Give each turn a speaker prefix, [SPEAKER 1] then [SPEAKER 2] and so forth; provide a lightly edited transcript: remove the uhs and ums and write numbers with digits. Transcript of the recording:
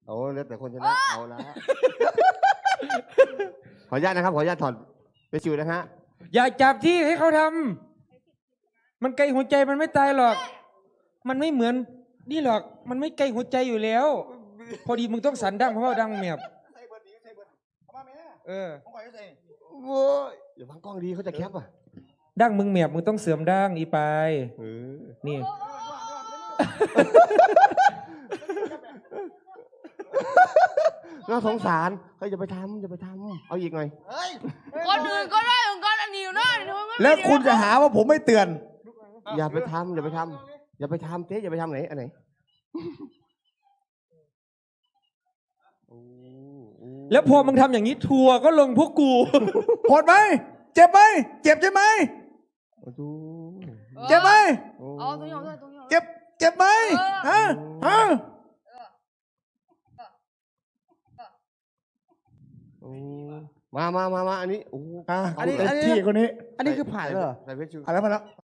[SPEAKER 1] โอ้แล้วแต่คนชนะเอาละขออนุญาตนะครับขออนุญาตถอดไปชิวนะฮะ
[SPEAKER 2] อย่าจับที่ให้เขาทำมันไกลหัวใจมันไม่ตายหรอก มันไม่เหมือนนี่หรอกมันไม่ไกลหัวใจอยู่แล้ว พอดีมึงต้องสันดังเพราะว่าดังเมียบเออ
[SPEAKER 1] โว้ยเดี๋ยวพังกล้องดีเขาจะแคปอ่ะ
[SPEAKER 2] ดังมึงเมียบมึงต้องเสื่อมดังอีไปนี่
[SPEAKER 1] น่าสงสารเฮ้ยอย่าไปทำเอาอีกหน่อย
[SPEAKER 3] คนอื่นก็ได้ของกันอันนี้อยู่นะ
[SPEAKER 4] แล้วคุณจะหาว่าผมไม่เตือน
[SPEAKER 1] อย่าไปทำเจ๊อย่าไปทำไหนอันไหน
[SPEAKER 2] แล้วพอมึงทำอย่างนี้ทัวร์ก็ลงพวกกู
[SPEAKER 4] โหดไหมเจ็บไหมเจ็บใช่ไหม
[SPEAKER 1] ดู
[SPEAKER 4] เจ็บไหม
[SPEAKER 3] เอาตรงนี้เอาตรงนี้
[SPEAKER 4] เจ็บไหมฮะฮะ
[SPEAKER 1] มาอันนี้โอ้
[SPEAKER 4] อันนี้ที่คนนี้อันนี้คือผ่านแล้วเหรอ
[SPEAKER 1] ใส่เพชรชู
[SPEAKER 4] ผ่านแล้ว